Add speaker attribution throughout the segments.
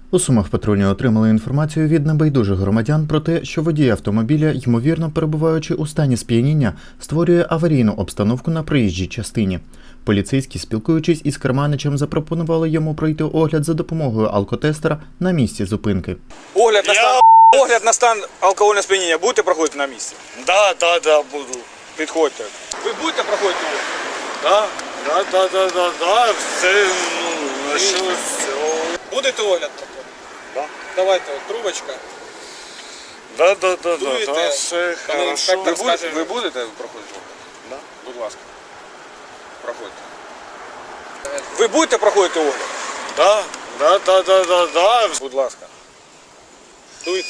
Speaker 1: У Сумах патрульні отримали інформацію від небайдужих громадян про те, що водій автомобіля, ймовірно перебуваючи у стані сп'яніння, створює аварійну обстановку на проїжджій частині. Поліцейські, спілкуючись із керманичем, запропонували йому пройти огляд за допомогою алкотестера на місці зупинки.
Speaker 2: Огляд на стан алкогольного сп'яніння будете проходити на місці?
Speaker 3: Да, буду.
Speaker 2: Підходьте. Ви будете проходити огляд?
Speaker 3: Да, все, ну, що все.
Speaker 2: Будете огляд проходити?
Speaker 3: Да.
Speaker 2: Давайте, от, трубочка.
Speaker 3: Да,
Speaker 2: Дуєте,
Speaker 3: все
Speaker 2: коли
Speaker 3: хорошо.
Speaker 2: інспектор скаже, ви будете проходити огляд?
Speaker 3: Да.
Speaker 2: Будь ласка. Проходьте. Ви будете проходити огляд?
Speaker 3: Да.
Speaker 2: Будь ласка. Дуйте.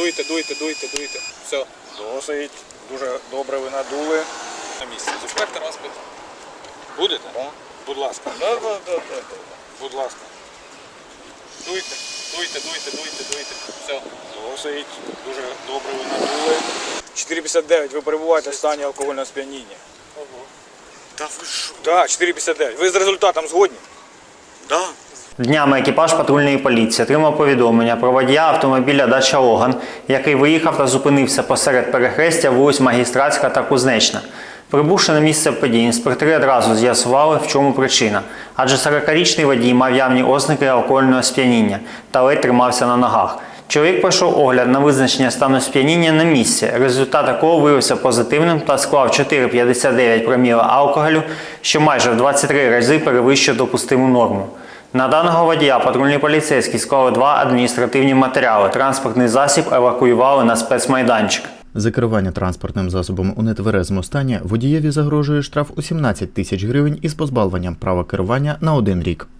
Speaker 2: Все.
Speaker 3: Досить. Дуже добре ви надули.
Speaker 2: На місці. Інспектор вас питає. Будете?
Speaker 3: Да.
Speaker 2: Будь ласка.
Speaker 3: Да.
Speaker 2: Будь ласка. Дуйте. Все.
Speaker 3: Досить. Дуже добре ви надули.
Speaker 2: 4,59. Ви перебуваєте в стані алкогольного сп'яніння.
Speaker 3: Та ви що?
Speaker 2: Так, 4,59. Ви з результатом згодні?
Speaker 3: Да.
Speaker 4: Днями екіпаж патрульної поліції отримав повідомлення про водія автомобіля «Дача Логан», який виїхав та зупинився посеред перехрестя вулиць Магістратська та Кузнечна. Прибувши на місце події, інспектори одразу з'ясували, в чому причина. Адже 40-річний водій мав явні ознаки алкогольного сп'яніння та ледь тримався на ногах. Чоловік пройшов огляд на визначення стану сп'яніння на місці, результат якого виявився позитивним та склав 4,59 проміла алкоголю, що майже в 23 рази перевищує допустиму норму. На даного водія патрульні поліцейські склали 2 адміністративні матеріали. Транспортний засіб евакуювали на спецмайданчик.
Speaker 1: За керування транспортним засобом у нетверезому стані водієві загрожує штраф у 17 тисяч гривень із позбавленням права керування на 1 рік.